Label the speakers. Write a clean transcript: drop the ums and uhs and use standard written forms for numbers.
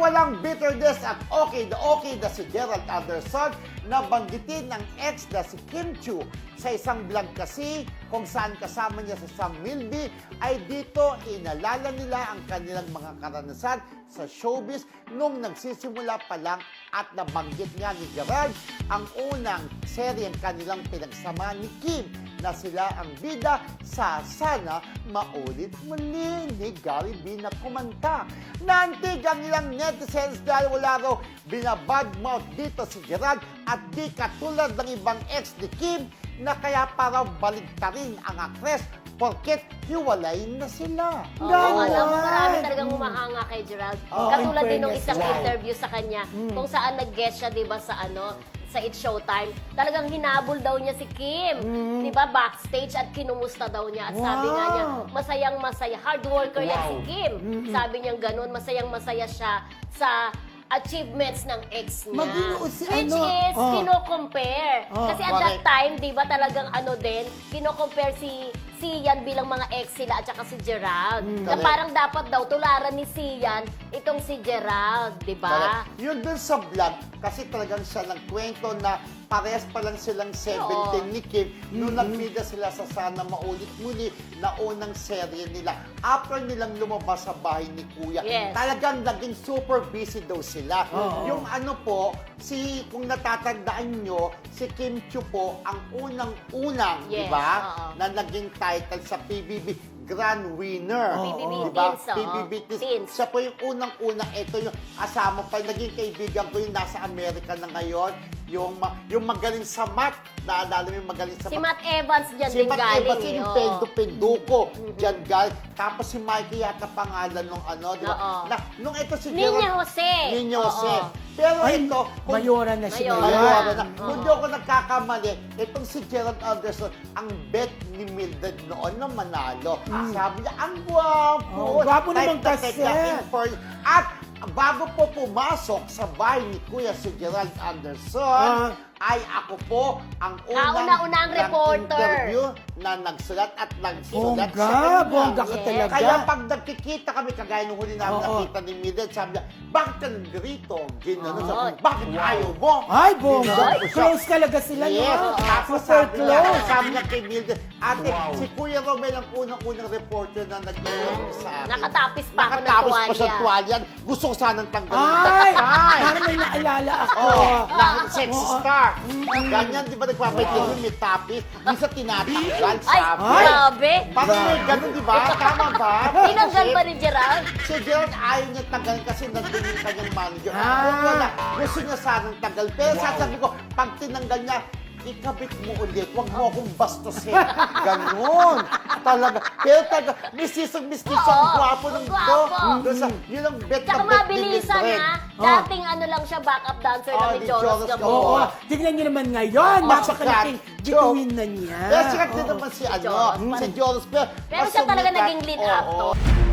Speaker 1: walang bitterness at okay na si Gerald Anderson na banggitin ng ex na si Kim Chiu sa isang vlog kasi kung saan kasama niya si Sam Milby ay dito inalala nila ang kanilang mga karanasan sa showbiz nung nagsisimula pa lang at nabanggit nga ni Gerald ang unang seryeng kanilang pinagsama ni Kim na sila ang bida sa Sana Maulit Muli ni Gary B na kumanta. Naantig ang ilang netizens dahil wala raw binabadmouth dito si Gerald at di katulad ng ibang ex ni Kim na kaya parang baligtarin ang actress porket hiwalay na sila.
Speaker 2: Oo, alam mo, marami talagang humahanga kay Gerald. Katulad din ng isang interview sa kanya, kung saan nag-guest siya, di ba, sa It's Showtime. Talagang hinabol daw niya si Kim, di ba, backstage at kinumusta daw niya. At sabi nga niya, masayang-masaya, hard worker yan si Kim. Sabi niya ganun, masayang-masaya siya sa achievements ng ex niya. Which is, kino-compare. Kasi at that time, di ba, talagang kino-compare si Sian bilang mga ex sila at saka si Gerald. Na parang dapat daw tularan ni Sian itong si Gerald, di ba?
Speaker 1: Yun dun sa vlog, kasi talagang siya nagkwento na parehas pa lang silang 17 ni Kim nung nagpida sila sa Sana Maulit Muli na unang serye nila. After nilang lumabas sa bahay ni Kuya, talagang naging super busy daw sila. Yung kung natatandaan nyo, si Kim Chiu po ang unang-unang, di ba, na naging title sa PBB Grand Winner.
Speaker 2: PBB
Speaker 1: diba?
Speaker 2: Teens,
Speaker 1: PBB Teens. Siya po yung unang-unang. Ito yung asama pa. Naging kaibigan ko yung nasa Amerika na ngayon. Yung magaling sa math. Naalala mo yung magaling sa math.
Speaker 2: Si Matt Evans dyan
Speaker 1: Si
Speaker 2: din
Speaker 1: Matt
Speaker 2: galing.
Speaker 1: Evans, yung Penduko. Dyan galing. Tapos si Mikey yata pangalan nung di ba? Nung ito si
Speaker 2: Niña Jose.
Speaker 1: Niña Jose. Pero ito,
Speaker 3: Mayora na siya.
Speaker 1: Mayora na. Kung di ako nagkakamali, itong si Gerald Anderson, ang bet ni Mildred noon na manalo. Sabi niya, ang gwapo.
Speaker 3: Gwapo naman kasi.
Speaker 1: At bago po pumasok sa bahay ni Kuya si Gerald Anderson, ay ako po ang
Speaker 2: Kauna-unang reporter
Speaker 1: interview na nagsulat at nagsulat sa kanya.
Speaker 3: Bongga ka talaga.
Speaker 1: Kaya pag nagkikita kami, kagaya nung huli namin nakita ni Mildred, sabi niya, bakit ka nandito? Ginanon sabi, bakit ayaw mo?
Speaker 3: Ay, bongga.
Speaker 1: Ginanon ko siya.
Speaker 3: Close talaga sila.
Speaker 1: Yes. Tapos
Speaker 3: Super
Speaker 1: sabi niya kay Mildred, ate, si Kuya Romel ang unang-unang reporter na nag-interview sa akin.
Speaker 2: Nakatapis pa ako ng
Speaker 1: Nakatapos pa siya
Speaker 2: tuwalya.
Speaker 1: tuwalyan. Gusto ko sanang tanggalin.
Speaker 3: Ay! Parang may naalala ako.
Speaker 1: Sexy star. Ganyan, di ba nagpapaitin may tapis? Minsan tinatanggal,
Speaker 2: Ay,
Speaker 1: sabi.
Speaker 2: grabe.
Speaker 1: Parang may ganun, di ba? Tama ba?
Speaker 2: Tinanggal ba ni Gerald?
Speaker 1: Si Gerald ayaw niya tanggalin kasi nandun yung kanyang manager. Kung wala, gusto niya sanang tanggal. Pero sasabi ko, pag tinanggal niya, ikabit mo ulit. Huwag mo akong bastusin. Ganon. Talaga. Pero talaga, mistisong gwapo ng yun ang bet
Speaker 2: Tsaka
Speaker 1: na bet ni
Speaker 2: mabilisan
Speaker 1: Mildred.
Speaker 2: Dating lang siya, backup dancer na ni
Speaker 1: ni
Speaker 2: Jonas
Speaker 1: Jonas
Speaker 2: Gamboa.
Speaker 3: Oo. Tignan niyo naman ngayon. Napakalaking bituin na niya.
Speaker 1: Pero sikat din naman si Jonas.
Speaker 2: Pero siya talaga naging lead actor.